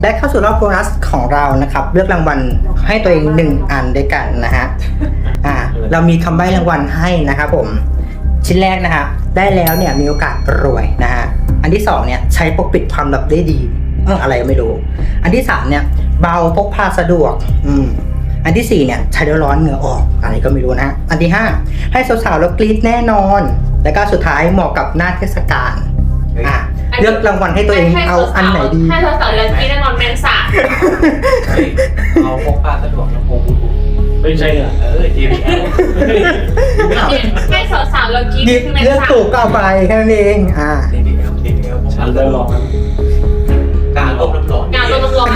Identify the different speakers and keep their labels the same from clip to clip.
Speaker 1: ได้เข้าสู่รอบโบนัสของเรานะครับเลือกรางวัลให้ตัวเอง1 อันด้วยกันนะฮะเรามีคำใบ้รางวัลให้นะครับผมชิ้นแรกนะฮะได้แล้วเนี่ยมีโอกาสรวยนะฮะอันที่2เนี่ยใช้ปกปิดความลับได้ดีอะไรก็ไม่รู้อันที่3เนี่ยเบาพกพาสะดวกอันที่4เนี่ยใช้แล้วร้อนเหงื่อออกอะไรก็ไม่รู้นะอันที่5ให้สาวๆแล้วกรี๊ดแน่นอนแล้วก็สุดท้ายเหมาะกับหน้าเทศกาลเลือกรางวัลให้ตัวเองเอาอันไหนดี
Speaker 2: ให้สาวๆแล้วกรี๊ดแน่นอนแมงสาบ
Speaker 3: เอาพกพาสะดวกแล้วพกไม่ใช่เหรอJBL
Speaker 2: ให้สาวๆแล้วกรี๊ดคือแมง
Speaker 1: เลือก
Speaker 2: สาบ
Speaker 1: ถูกก็เอาไปแค่นั้นเอง
Speaker 3: JBL ฉันเริ่มลองแล้วการต้มน้ำร้อน
Speaker 2: การต้มน้ำร้อน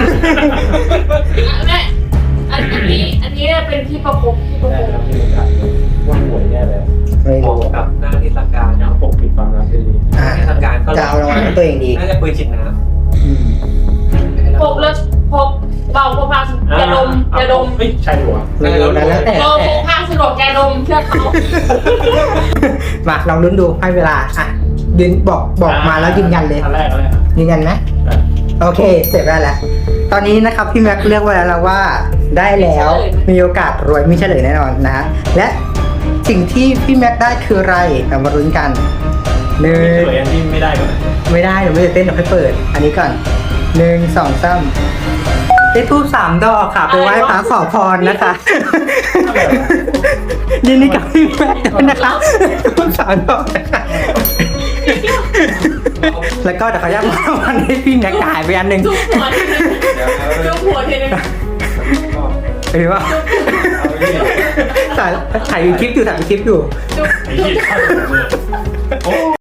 Speaker 2: อันนี้เป็นที่ประคบ
Speaker 3: ได้ครับที่ประกาศว่าป่วยแน่แล้วเหมาะกับหน้าเทศกาลนะปกปิดความลับได้ดีเทศกาลก็
Speaker 1: จะเอารางวัลให้ตัวเองดี
Speaker 3: น่าจะปืนฉีดน้ำ
Speaker 2: พกแล้วพกเบาพกพาสะดวกยาดม
Speaker 3: ไม่ใช่หัว
Speaker 1: ไม่รู้นะแล้วแต่
Speaker 2: เบาพกพาสะดวกยาดมเชื่อเขา
Speaker 1: มาลองลุ้นดูให้เวลายืนบอกมาแล้วยืนยันเลย
Speaker 3: อันแรกเลย
Speaker 1: ยืนยันไหมโอเคเสร็จแล้วแหละตอนนี้นะครับพี่แม็กเลือกไว้แล้วว่าได้แล้วมีโอกาสรวยมีเฉลยแน่นอนนะและสิ่งที่พี่แม็กได้คืออะไรเรามาลุ้นกัน
Speaker 3: สวยอันที่ไม่ได้ก่อน
Speaker 1: ไม่ได้เดี๋ยวไม่จะเต้นเดี๋ยวให้เปิดอันนี้ก่อน1 2 3ได้ทูบ3 ดอกค่ะไปไหว้พระขอพรนะคะยินดีกับพี่แม็กด้วยนะคะทูบ3 ดอกนะคะแล้วก็เดี๋ยวเขาจะมาวันให้พี่แม็กหายไปอันหนึ่ง
Speaker 2: จุ๊บหัวทีนึง
Speaker 1: หรือว่าถ่ายคลิปอยู่